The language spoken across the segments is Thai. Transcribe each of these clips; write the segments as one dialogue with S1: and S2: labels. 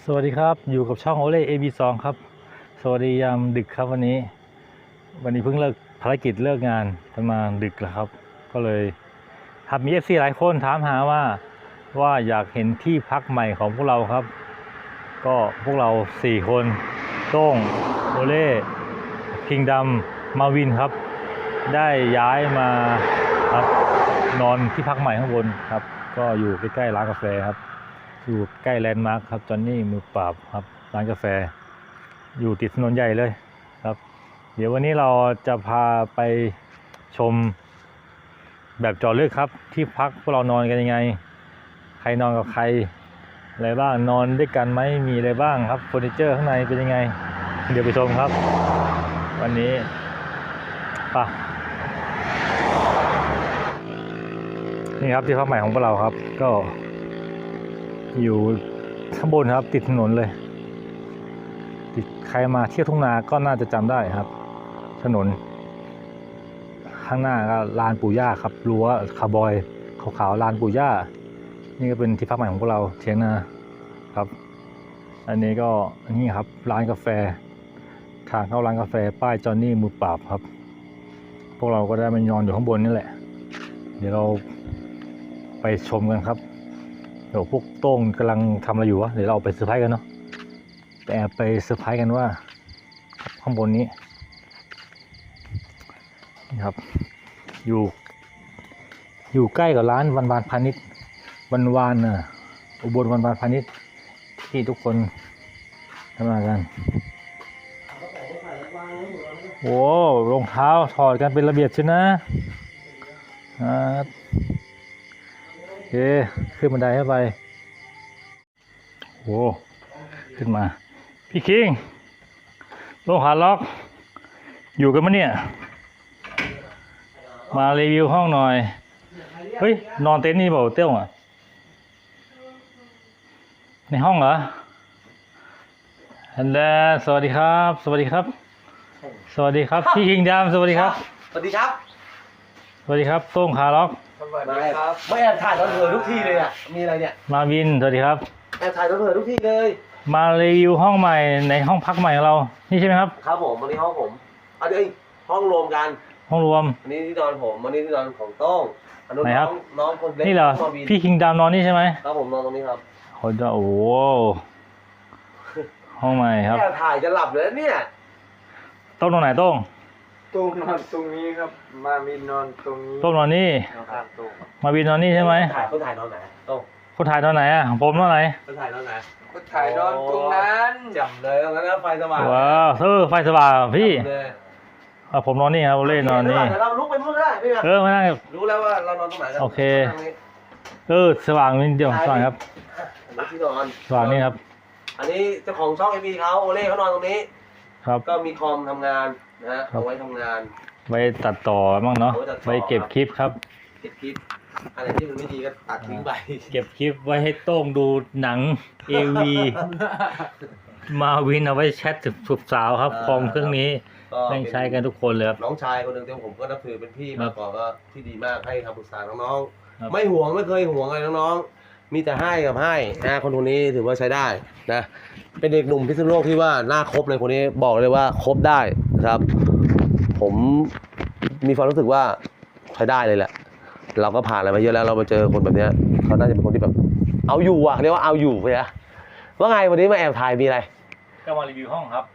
S1: วัสดีครับอยู่กับช่องโอเล่ AB2 ครับสวัสดียามดึกครับวันนี้เพิ่งเลิกภารกิจเลิกงานประมาณดึกแล้วครับก็เลยมี FC หลายคนถามหาว่าอยากเห็นที่พักใหม่ของพวกเราครับก็พวกเรา4คนโต้งโอเล่คิงดำมาวินครับได้ย้ายมาครับนอนที่พักใหม่ข้างบนครับก็อยู่ใกล้ๆร้านกาแฟครับอยู่ใกล้แลนด์มาร์คครับจอนนี่มือปราบครับร้านกาแฟอยู่ติดถนนใหญ่เลยครับเดี๋ยววันนี้เราจะพาไปชมแบบเจาะลึกครับที่พักพวกเรานอนกันยังไงใครนอนกับใครอะไรบ้างนอนด้วยกันไหมมีอะไรบ้างครับเฟอร์นิเจอร์ข้างในเป็นยังไงเดี๋ยวไปชมครับวันนี้ป่ะนี่ครับที่พักใหม่ของพวกเราครับก็อยู่ข้างบนครับติดถนนเลยติดใครมาเที่ยวทุ่งนาก็น่าจะจำได้ครับถนนข้างหน้าก็ลานปู่ย่าครับรั้วคาร์บอยขาวๆลานปู่ย่านี่ก็เป็นที่พักใหม่ของพวกเราเถียงนาครับอันนี้ก็นี่ครับร้านกาแฟทางเข้าร้านกาแฟป้ายจอนนี่มือปราบครับพวกเราก็ได้มานอนอยู่ข้างบนนี่แหละเดี๋ยวเราไปชมกันครับเดี๋ยวพวกโต้งกำลังทำอะไรอยู่วะเดี๋ยวเราไปเซอร์ไพรส์กันเนาะแต่แอบไปเซอร์ไพรส์กันว่าข้างบนนี้นี่ครับอยู่ใกล้กับร้านวันพาณิชย์วันอุบลวันพาณิชย์ที่ทุกคนทำงานกันโอ้รองเท้าถอดกันเป็นระเบียบใช่นะโอเคขึ้นบันไดเข้าไปโอ้ขึ้นมาพี่คิงลงหาล็อกอยู่กันมั้ยเนี่ยมารีวิวห้องหน่อยเฮ้ยนอนเต็นท์นี่เปล่าเต้วอ่ะในห้องเหรอฮัลโหลสวัสดีครับสวัสดีครับสวัสดีครับพี่คิงดามสวัสดีครับ
S2: สวัสดีครับ
S1: สวัสดีครับโต้งขาล็อก
S2: สวัสดีครับไม่แอบถ่ายตอนเผลอทุกทีเลยอ่ะมีอะไรเนี่ย
S1: มาวินสวัสดีครับ
S2: แอบถ่ายตอนเผลอทุกทีเลย
S1: มารีวิวห้องใหม่ในห้องพักใหม่ของเรานี่ใช่ไหมครับ
S2: ครับผมวันนี้ห้องผมอันนี้ห้องรวมกัน
S1: ห้องรวม
S2: อันนี้ที่นอนผมอันนี้ที่นอนของโต้งอันนู้นน้องคนเล็ก
S1: นี่เหรอพี่คิงดามนอนนี่ใช่ไหม
S2: ครับผมนอนตรงนี้ครับ
S1: โอ้โหห้องใหม่ครับ
S2: แอบถ่ายจะหลับเลยเนี่ย
S1: โต้งนอนไหนโต้ง
S3: นอนตรงนี้ครับมาวินนอนตรงนี้
S1: โต้งนอนนี่มาวินนอนนี่ใช่ไหม
S2: คนถ่ายนอนไหนโต้ง
S1: คนถ่ายนอนไหนอ่ะผมนอนไหน
S2: คนถ่ายนอนไหน
S3: ก็ถ่ายนอนตรงนั้น
S2: จำเลยตรงนั้นไฟสว่าง
S1: ว้าวไฟสว่างพี่ผมนอนนี่ครับเล่นนอนนี่
S2: เราลุกไปพูดได้
S1: ไม่ได้
S2: รู้แล้วว่าเรานอนตรงไหนกัน
S1: โอเคสว่างนิดเดียวสว่างครับ
S2: ที่นอน
S1: สว่างนี่ครับ
S2: อันนี้เจ้าของช่องABเขาโอเล่เขานอนตรงนี้
S1: ครับ
S2: ก็มีคอมทำงานนะเอาไว้ทำงาน
S1: ไว้ตัดต่อบ้างเนาะไว้เก็บคลิปครับ
S2: เก็บคลิปอะไรที่มันไม่ดีก็ตัดทิ้งไป
S1: เก็บคลิปไว้ให้โต้งดูหนัง AV มาวินเอาไว้แชทสุบสาวครับคอมเครื่องนี้ต้องใช้กันทุกคนเลยครับ
S2: น้องชายคนหนึ่งที่ผมก็นับถือเป็นพี่มาก่อนก็ที่ดีมากให้คำปรึกษาน้องๆไม่ห่วงไม่เคยห่วงอะไรน้องๆมีแต่ให้กับให้นะคนนี้ถือว่าใช้ได้นะเป็นเด็กหนุ่มพิษณุโลกที่ว่าหน้าครบเลยคนนี้บอกเลยว่าครบได้นะครับผมมีความรู้สึกว่าใช้ได้เลยแหละเราก็ผ่านอะไรมาเยอะแล้วเรามาเจอคนแบบนี้เขาน่าจะเป็นคนที่แบบเอาอยู่อ่ะเรียกว่าเอาอยู่ไปนะว่าไงวันนี้มาแอบถ่ายมีอะไร
S1: ก็มารีวิวห้องครับ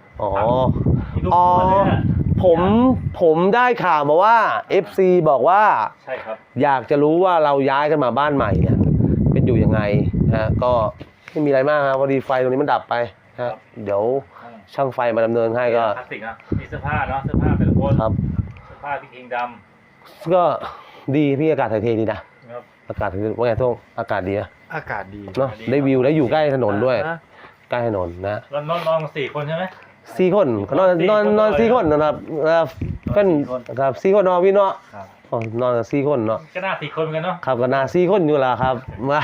S2: ผมได้ข่าวมาว่า FC บอกว่า
S1: ใช่ครับ
S2: อยากจะรู้ว่าเราย้ายกันมาบ้านใหม่เนี่ยเป็นอยู่ยังไงนะก็ไม่มีอะไรมากครับพอดีไฟตรงนี้มันดับไปนะเดี๋ยวช่างไฟมาดำเนินให้ก็
S1: พลาสติกนะมีเสื้อผ้าเนาะเสื้อผ้าเป็นโค้ท
S2: ครับ
S1: เสื้อผ้าพี่คิงด
S2: ำก็ดีพี่อากาศถ่ายเทดีนะอากาศว่าไงทุกอากาศดีนะ
S3: อากาศดี
S2: เนาะได้วิวแล้วอยู่ใกล้ถนนด้วยใกล้ถนนนะ
S1: นอน4 คนใช่ไหม
S2: 4 คนนอน4 คนนะครับเป็นครับ4 คนนอนพี่เนาะนอน4 คนเนาะ
S1: ก็น่า4 คนกันเนาะ
S2: ครับก็น่า4 คนอยู่ละครับมา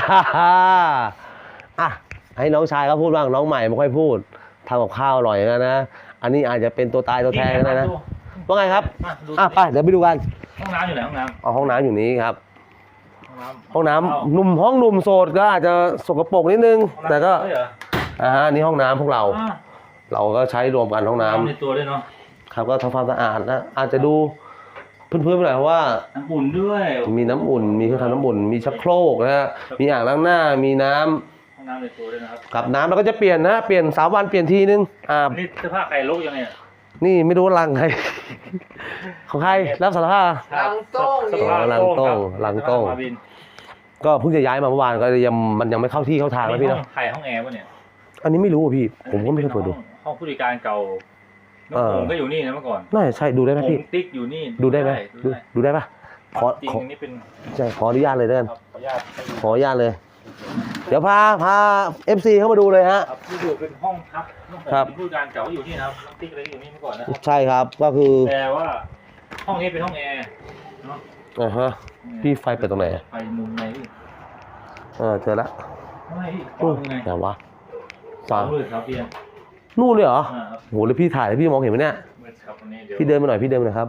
S2: ให้น้องชายเขาพูดบ้างน้องใหม่ไม่ค่อยพูดทำกับข้าวอร่อยนะอันนี้อาจจะเป็นตัวตายตัวแทนนะว่าไงครับไปเดี๋ยวไปดูกัน
S1: ห้องน้ำอยู่ไหนห้องน้
S2: ำห้องน้ำอยู่นี้ครับห้องน้ำหนุ่มโสดก็อาจจะสกปรกนิดนึงแต่ก็อันนี้ห้องน้ำพวกเรา
S1: อ่า
S2: เราก็ใช้รวมกันห้องน้ำ
S1: ในตัวด้วยเนาะ
S2: ครับก็ทำความสะอาดนะอาจจะดูพื้นๆไปหน่อยเพราะว่า
S1: น้ำอุ่นด้วย
S2: มีน้ำอุ่นมีเครื่องทำน้ำอุ่นมีชักโครกนะฮะมีอ่างล้างหน้ามีน้ำ
S1: ห้องน้ำในตัวด้วยนะครับ
S2: กับน้ำเราก็จะเปลี่ยนนะเปลี่ยน3 วันเปลี่ยนทีนึง
S1: นี่เสื้อผ้าใครลกยังไงอะ
S2: นี่ไม่รู้ว่าลังใคร ของใครรับสารภาพ
S3: ลังโต้ง
S1: เสื้อผ้า
S2: ลังโต้ง
S1: ครับ
S2: ลังโต้ง
S1: เสื้อผ้ามาวิน
S2: ก็เพิ่งจะย้ายมาเมื่อวานก็ยังมันยังไม่เข้าที่เข้าทางนะพี่
S1: ห้อ
S2: เนาะ
S1: งใครห้องแอร์วะเนี่ย
S2: อันนี้ไม่รู้อะพี่ผมก็ไม่เคยเปิดดู
S1: ห้องผู้จัดการเก่าน้องผมก็อยู่นี่นะเมื่อก่อน
S2: น่าจะใช่ดูได้ไหม
S1: ผม
S2: พี่
S1: ติ๊กอยู่นี่
S2: ดูได้ไหม
S1: ดูได้
S2: ดูได้ปะขอ
S1: จริง
S2: ขอ
S1: อันนี้เป็น
S2: ใช่ขออนุญาตเลยเด้อ
S1: ครับขออนุญาตให้ดู
S2: ขออนุญาตเลย เดี๋ยวพา FC เข้ามาดูเลยฮะ
S1: ครับที่อยู่เป็นห้องพักน้องผม
S2: ครับ
S1: เป็นผู้จัดการเก่าอยู่นี่นะครับน้องติ๊กอะไรอยู่นี่เมื่อก่อนนะครับ
S2: ใช่ครับก็คือ
S1: แต่ว่าห้องนี้เป็นห้องแอร์เนาะ
S2: ฮะพี่ไฟเปิดตรงไหน
S1: ไฟมุมไหนพี่
S2: เจอละ
S1: ไม่พี่
S2: โอ้
S1: มุมไหน
S2: ไหนวะ
S1: สองมือครับพี่
S2: นู่นเลยเหรอ
S1: ครับ
S2: โหแล้วพี่ถ่ายแล้วพี่มองเห็นไหมเนี่ย
S1: มือครับวันนี้เดี๋ยว
S2: พี่เดินมาหน่อยพี่เดินมาหน่อยครับ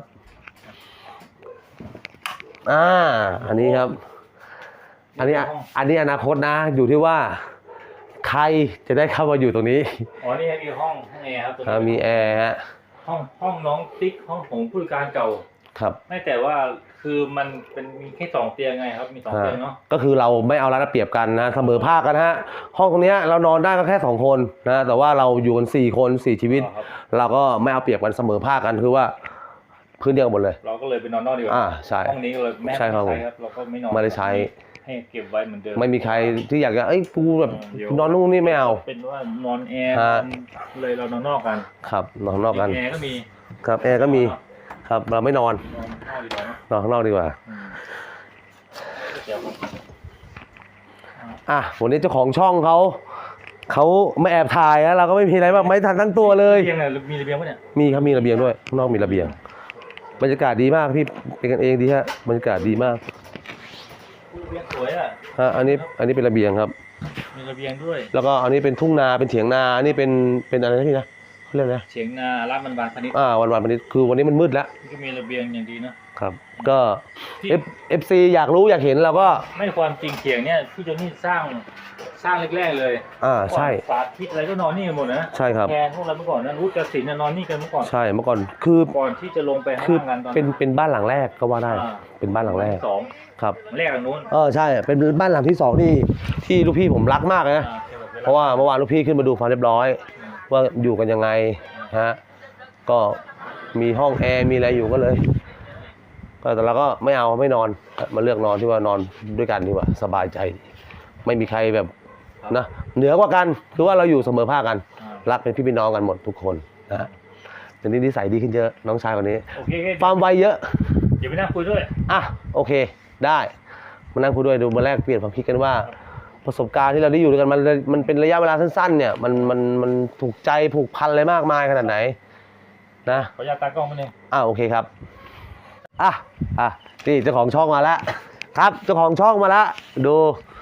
S2: อันนี้ครับ อันนี้อนาคตนะ อยู่ที่ว่า ใครจะได้เข้ามาอยู่ตรงนี้
S1: อ๋อนี่มีห้องแอร์ครับตัวนี้
S2: มีแอร์ฮะ
S1: ห้องน้องติ๊กห้องผมผู้จัดการเก่า
S2: ครับ
S1: ไม่แต่ว่าคือมันเป็นมีแค่2 เตียงไงครับมี2 เตียงเนาะ
S2: ก็คือเราไม่เอารัดเอาเปรียบกันนะเสมอภาคกันฮะห้องตรงเนี้ยเรานอนได้ก็แค่2 คนนะแต่ว่าเราอยู่กัน4 คน4 ชีวิต
S1: ครับ
S2: เราก็ไม่เอาเปรียบกันเสมอภาคกันคือว่าพื้นเดียวกันหมดเลย
S1: เราก็เลยไปนอนนอกดีกว่า
S2: ใช่
S1: ห้องนี้ก็เลยแม่
S2: ใช่ครับผม
S1: เราก็ไม่นอน
S2: ไม่ได้ใช้
S1: ให้เก็บไว้เหมือนเดิม
S2: ไม่มีใครที่อยากจะกูแบบ
S1: เดี๋ยว
S2: นอนนู่นนี่ไม่เอา
S1: เป็นว่านอนแอร์
S2: ฮะ
S1: เลยเรานอนนอกกัน
S2: ครับนอนข้างนอกกัน
S1: แอร์ก็มี
S2: ครับแอร์ก็มีครับเราไม่นอน
S1: นอนนอกดีกว่าเนอะ
S2: นอนข้างนอกดีกว่า
S1: อืมเดี๋ยวครับ
S2: วันนี้เจ้าของช่องเขาไม่แอบถ่ายนะเราก็ไม่มีอะไรมากไม่ทันทั้งตัวเลย
S1: เตียงเนี่ยมีระเบียงปะเนี่ย
S2: มีครับมีระเบียงด้วยข้างนอกมีระเบียงบรรยากาศดีมากพี่เป็นกันเองดีฮะบรรยากาศดีมาก
S1: ระเบียงสวยอ่ะ
S2: อันนี้เป็นระเบียงครับ
S1: มีระเบียงด้วย
S2: แล้วก็อันนี้เป็นทุ่งนาเป็นเถียงนาอันนี้เป็นอะไรนะพี่นะเขาเรียกอะไรนะ
S1: เฉียงนาลาดมันบานพนิชย์
S2: วันนี้คือวันนี้มันมืดแล้ว
S1: นี่ก็มีระเบียงอย่างดีเนอะ
S2: ครับ ก็
S1: ที่
S2: FC อยากรู้อยากเห็นเราก็
S1: ไม่ความจริงเฉียงเนี่ยพี่โจนี่สร้างแรกๆเลย
S2: ใช่
S1: สาธิตอะไรก็นอนนี่กันหมดนะ
S2: ใช่ครับ
S1: แทนพวกเราเมื่อก่อนนะรู้กสินน่ะนอนนี่กันเมื่อก่อน
S2: ใช่เมื่อก่อนคือ
S1: ก่อนที่จะลงไปข้าง
S2: คือ
S1: ล่างกันตอน
S2: เป็นบ้านหลังแรกก็ว่าได้
S1: อ่า
S2: เป็นบ้านหลังแรก
S1: สอง
S2: ครับ
S1: แรกหลังนู้น
S2: ใช่เป็นบ้านหลังที่2ที่ลูกพี่ผมรักมากเลยนะ เพราะว่าเมื่อวานลูกพี่ขึ้นมาดูความเรียบร้อย ว่าอยู่กันยังไงฮะก็มีห้องแอร์มีอะไรอยู่ก็เลยแต่เราก็ไม่นอนมาเลือกนอนที่ว่านอนด้วยกันดีกว่าสบายใจดีไม่มีใครแบบนะเหนือกว่ากันคือว่าเราอยู่เสมอภาคกัน รักเป็นพี่เป็นน้องกันหมดทุกคนนะฮะแต่นี่นิสัยดีขึ้นเยอะน้องชายคนนี้
S1: โอเค
S2: ความไวเยอะ
S1: เดี๋ยวไปนั่งคุยด้วย
S2: โอเคได้มานั่งคุยด้วยดูมาแลกเปลี่ยนความคิดกันว่า ประสบการณ์ที่เราได้อยู่ด้วยกันมันเป็นระยะเวลาสั้นๆเนี่ยมันถูกใจผูกพันอะไรมากมายขนาดไหนนะ
S1: ขออนุญาตตากล้องมาหนึ่ง
S2: โอเคครับนี่เจ้าของช่องมาแล้วครับเจ้าของช่องมาแล้วดู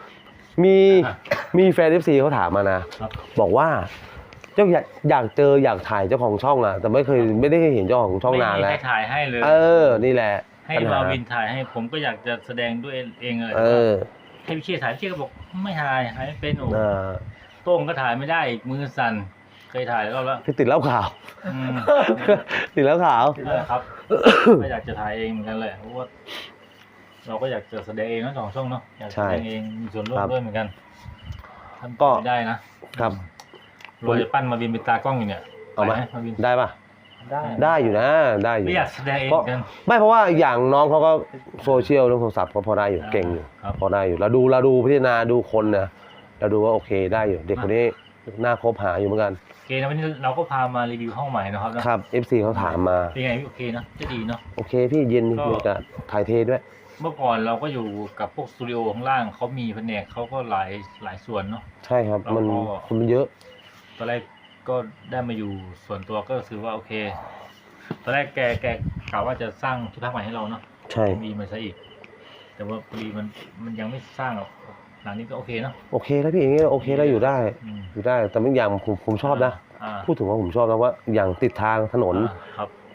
S2: มีแฟน FC เขาถามมานะบอกว่าเจ้าอยากเจออยากถ่ายเจ้าของช่องแต่ไม่ได้เคยเห็นเจ้าของช่องนานแล้ว
S1: ไม่มีใครถ่ายให้เลย
S2: นี่แหละ
S1: ให้
S2: ปัญห
S1: มาวินถ่ายให้ผมก็อยากจะแสดงด้วยเองเลย ให้พี่เชี่ยถ่ายพี่เชี่ยก็บอกไม่ถ่ายไม่เป็นโอ้โต้งก็ถ่ายไม่ได้อีกมือสั่นเคยถ่ายแล้ว
S2: พี่ติดเหล้าขาว
S1: อืม
S2: ติดเหล้าขาว
S1: ครับก็อยากจะถ่ายเองเหมือนกันเลยเพราะว่าเราก็อยากจะแสดงเองนะสองช่องเนาะอยากแสดงเองมีส่วนร่วมด้วยเหมือนกันทำไม่ได้นะครับเราจะปั้นมาวินเป็นตากล้องอยู่เนี่ย
S2: เอาไหม
S1: มาวิน
S2: ได้ปะ ได้อยู่นะได้อยู่
S1: ไม่อยากแสดงเองกัน
S2: ไม่เพราะว่าอย่างน้องเขาก็โซเชียลเรื่องโทรศัพท์ก็พอได้อยู่เก่งอยู่
S1: ครับ
S2: พอได้อยู่เราดูพิจารณาดูคนนะเราดูว่าโอเคได้อยู่เด็กคนนี้น่าคบหาอยู่เหมือนกัน
S1: โอเคนะวันนี้เราก็พามารีวิวห้องใหม่นะครับ
S2: ครับ FC เขาถามมา
S1: เป็นไงพี่โอเคนะจะดีเนาะ
S2: โอเคพี่เย็นบรรยากาศถ่ายเทด้วย
S1: เมื่อก่อนเราก็อยู่กับพวกสตูดิโอข้างล่างเขามีแผนกเขาก็หลายส่วนเนาะ
S2: ใช่ครับมัน
S1: แล้วก็
S2: คนมันเยอะ
S1: ตอนแรกก็ได้มาอยู่ส่วนตัวก็ถือว่าโอเคตอนแรกแกกล่าวว่าจะสร้างที่พักใหม่ให้เราเนาะ
S2: ใช่
S1: มีมาซะอีก แต่ว่าพอดีมันยังไม่สร้างหรอกหลังนี้ก็โอเคเนาะ
S2: โอเคแล้วพี่อย่างนี้โอเคแล้วอยู่ได้
S1: อืม
S2: อยู่ได้แต่บางอย่างผมชอบนะ
S1: อ่า
S2: พูดถึงว่าผมชอบนะว่าอย่างติดทางถนน
S1: ครับ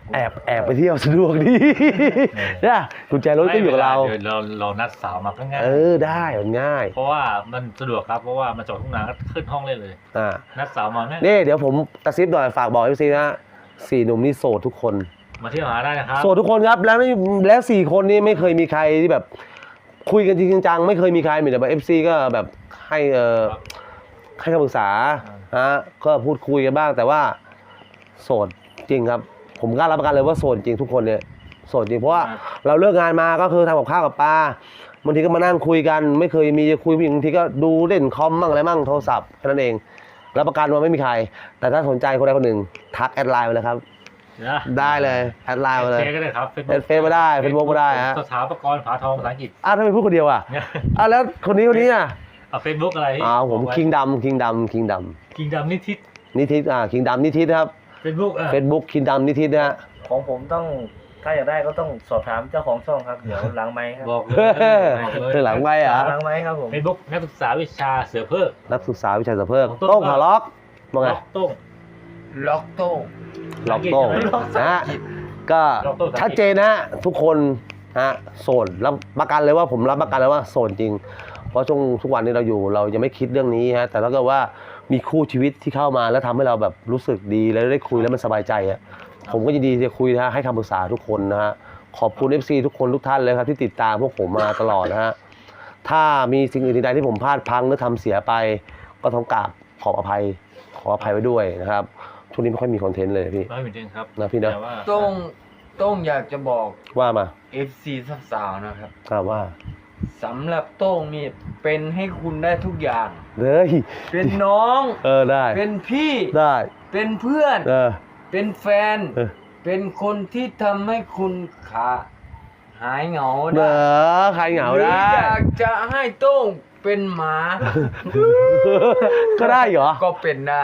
S2: แอบไปเที่ยวสะดวกดีนะกุญแจรถก็อยู่กับเรา
S1: ดี๋ยวเรานัดสาวมาก็ง่าย
S2: ได้มันง่าย
S1: เพราะว่ามันสะดวกครับเพราะว่ามันจอดทุ่งนาก็ขึ้นห้องเลย
S2: อ่า
S1: นัดสาวมาง่าย
S2: นี่เดี๋ยวผมกระซิบหน่อยฝากบอกFC นะ4 หนุ่มนี่โสดทุกคน
S1: มาเที่ยวหาได้นะครับ
S2: โสดทุกคนครับแล้ว4 คนนี้ไม่เคยมีใครที่แบบคุยกันจริงจังไม่เคยมีใครมีแต่แบบ FC ก็แบบให้ให้คำปรึกษาฮะก็พูดคุยกันบ้างแต่ว่าโสดจริงครับ ผมกล้ารับประกันเลยว่าโสดจริงทุกคนเนี่ยโสดจริงเพราะว่าเราเลิกงานมาก็คือทำกับข้าวกับปลาบางทีก็มานั่งคุยกันไม่เคยมีจะคุยบางทีก็ดูเล่นคอมมั่งอะไรมั่งโทรศัพท์แค่นั้นเองรับประกันว่าไม่มีใครแต่ถ้าสนใจคนใดคนหนึ่งทักแอดไลน์มาเลยครับได้เลยแอดไลน์มาเลย
S1: เฟซก็ได้ครับ
S2: เฟซมาได้เฟซบุ๊กก็ได้ฮะ
S1: สถาปกรณ์ผาทองภาษาอังกฤษ
S2: ทำไมพูดคนเดียวอ่ะแล้วคนนี้อ่ะ
S1: เฟซบุ๊กอะไร
S2: ผมคิงดำ
S1: คิงดำนิทิศ
S2: นิทิศคิงดำนิทิศครับ
S1: เฟซบุ๊ก
S2: เฟซบุ๊กคิงดำนิทิศนะฮะ
S4: ของผมต้องถ้าอยากได้ก็ต้องสอบถามเจ้าของช่องครับเดี๋ยวหลังไมค์ครับ
S1: บอกเลย
S2: หลังไว้อ่ะ
S4: หลังไมค์ครับผม
S1: เฟซบุ๊กนักศึกษาวิชาเสือเพิก
S2: นักศึกษาวิชาสะเพิกโต้งขาล็อกว่าไง
S1: โต้ง
S3: ล็อกโต้ง
S2: ล็อกโต้งนะฮะก็ชัดเจนนะฮะทุกคนฮะโสดรับประกันเลยว่าผมรับประกันเลยว่าโสดจริง เพราะช่วงทุกวันนี้เราอยู่เรายังไม่คิดเรื่องนี้ฮะแต่ถ้าเกิดว่ามีคู่ชีวิตที่เข้ามาแล้วทำให้เราแบบรู้สึกดีแล้วได้คุยแล้วมันสบายใจอ่ะผมก็ยินดีจะคุยนะฮะให้คำปรึกษาทุกคนนะฮะขอบคุณ FC ทุกคนทุกท่านเลยครับที่ติดตามพวกผมมาตลอดนะฮะถ้ามีสิ่งอื่นใดที่ผมพลาดพลั้งหรือทำเสียไปก็ต้องกราบขออภัยไว้ด้วยนะครับช่วงนี้ไม่ค่อยมีคอนเทนต์เลยพี่
S1: ไม่เหมือนกันครับ
S2: นะพี่นะ
S1: แต่ว่า
S3: โต้งอยากจะบอก
S2: ว่ามา
S3: FC สาวๆนะครับ
S2: ว่า
S3: สำหรับโต้งนี่เป็นให้คุณได้ทุกอย่าง
S2: เลย
S3: เป็นน้อง
S2: ได้
S3: เป็นพี่
S2: ได้
S3: เป็นเพื่อน เป็นแฟน เป็นคนที่ทำให้คุณหายเหงา
S2: เด้
S3: ได้
S2: ใครเหงา
S3: หรือ
S2: ได้
S3: อยากจะให้โต้งเป็นหมา
S2: ก็ได้เหรอ
S3: ก็เป็นได้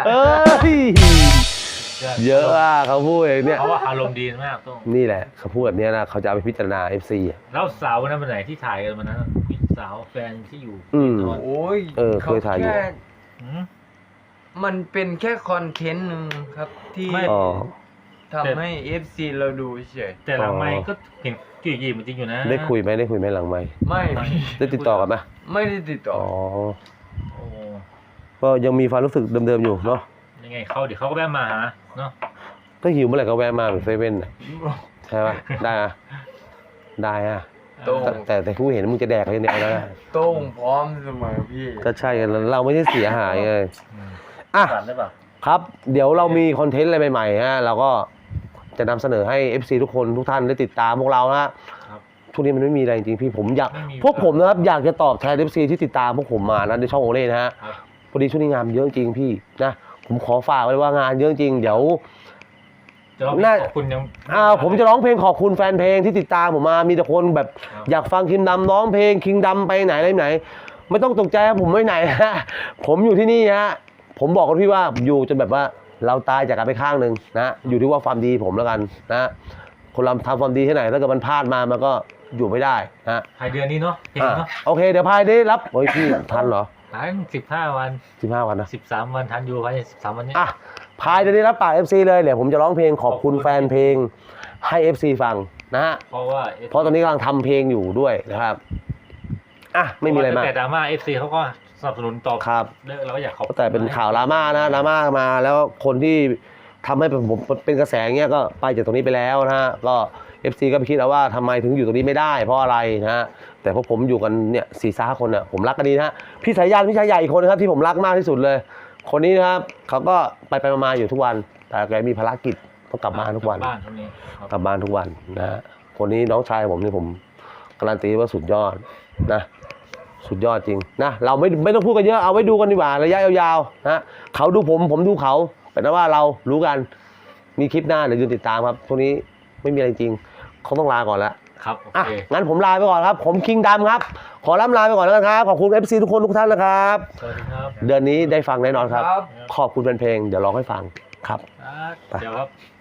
S2: เยอะอ่ะเขาพูดเนี่ย
S1: เพราะว่าอารมณ์ดีมากโต้ง
S2: นี่แหละเขาพูดแบบนี้นะเขาจะเอาไปพิจารณา FC อ่ะ
S1: แล้วสาววันนั้นเป็นไหนที่ถ่ายกันวันนั้นสาวแฟนที่อยู่
S3: โอ้ย
S2: เคยถ่ายอยู่
S3: แค่
S1: อืม
S3: มันเป็นแค่คอนเทนต์หนึ่งครับที่
S1: ไม่
S3: ทำให้ FC เราดูเฉย
S1: แต่หลังไม่ก็เห็นกี่ยีมันจริงอยู่นะ
S2: ได้คุยไหมหลังไหมค์
S3: ไม่
S2: ได้ติดต่อกันไหม
S3: ไม่ได้ติดต่อ
S1: โอ้
S2: ก็ยังมีความรู้สึกเดิมๆอยู่เนาะ
S1: ยังไงเขาเดี๋ยวเขาก็แวะมาหาเนาะ
S2: ก็หิวเมื่อไหร่ก็แวะมาเหมือนเซเว่นน่ะใช่ป่ะได้อะได้อะ
S3: โต้ง
S2: แต่ผู้เห็นมึงจะแดกกันเนี่ยแล้วนะ
S3: โต้งพร้อมเสมอพี่
S2: ก็ใช่กันเราไม่ใช่เสียหายไงอ่ะ
S1: สั่นได้ปะ
S2: ครับเดี๋ยวเรามีคอนเทนต์อะไรใหม่ๆฮะเราก็จะนำเสนอให้ FC ทุกคนทุกท่านได้ติดตามพวกเรานะช่วงนี้มันไม่มีอะไรจริงๆพี่ผมอยากพวกผมนะครับอยากจะตอบแทน FC ที่ติดตามพวกผมมานะในช่องโอเล่นะฮะพอดีช่วงนี้งานเยอะจริงพี่นะผมขอฝากไว้ว่างานเยอะจริงเดี๋ยว
S1: จะร้องขอบคุณยัง
S2: ผมจะร้องเพลงขอบคุณแฟนเพลงที่ติดตามผมมามีแต่คนแบบอยากฟังคิงดำร้องเพลงคิงดำไปไหนอะไรไหนไม่ต้องตกใจครับผมไม่ไหนฮะผมอยู่ที่นี่ฮะผมบอกกับพี่ว่าอยู่จนแบบว่าเราตายจากกันไปข้างหนึ่งนะอยู่ที่ว่าความดีผมแล้วกันนะคนเราทำความดีที่ไหนถ้าเกิดมันพลาดมามันก็อยู่ไม่ได้นะ
S1: ภายเดือนนี้เนาะเนาะ
S2: โอเคเดี๋ยวพายได้รับโอ้ยพี่ทันเหรอ
S1: หาย15 วัน
S2: 15 วันนะ
S1: 13 วันทันอยู่ภายใน13 วันนี้
S2: พายจะได้รับปาก FC เลยเดี๋ยวผมจะร้องเพลงขอบคุณแฟนเพลงให้ FC ฟังนะฮะ เพราะตอนนี้กำลังทำเพลงอยู่ด้วยนะครับไม่มีอะไรมาก
S1: แต่ดราม่า FC เขาก็สนับสนุนต่อ
S2: ครับ
S1: เราก็อยากขอบ
S2: แต่เป็นข่าวดราม่านะดราม่ามาแล้วคนที่ทำให้ผมเป็นกระแสเงี้ยก็ไปจากตรงนี้ไปแล้วนะฮะก็ FC ก็ไปคิดเอาว่าทำไมถึงอยู่ตรงนี้ไม่ได้เพราะอะไรนะฮะแต่พวกผมอยู่กันเนี่ย4-5 คนเนี่ยผมรักกันดีนะฮะพี่สายยันพี่ชายใหญ่อีกคนนะครับที่ผมรักมากที่สุดเลย คนนี้นะครับเขาก็ไปมาอยู่ทุกวันแต่แกมีภารกิจต้องกลับบ้านทุกวัน
S1: บ้านทุกนี้
S2: กลับบ้านทุกวันนะฮะคนนี้น้องชายผมนี่ผมการันตีว่าสุดยอดนะสุดยอดจริงนะเราไม่ต้องพูดกันเยอะเอาไว้ดูกันดีกว่าระยะยาวๆนะเขาดูผมดูเขาเป็นว่าเรารู้กันมีคลิปหน้าเดี๋ยวยืนติดตามครับช่วงนี้ไม่มีอะไรจริงเขาต้องลาก่อนแล้ว
S1: ครับโอเค
S2: งั้นผมลาไปก่อนครับผมคิงดำครับขอล่ำลาไปก่อนแล้วนะครับขอบคุณ FC ทุกคนทุกท่านนะครับ
S1: สวัสดีครับ
S2: เดือนนี้ได้ฟังแน่นอนครับขอบคุณแฟนเพลงเดี๋ยวร้องให้ฟังครับ
S1: เดี๋ยวครับ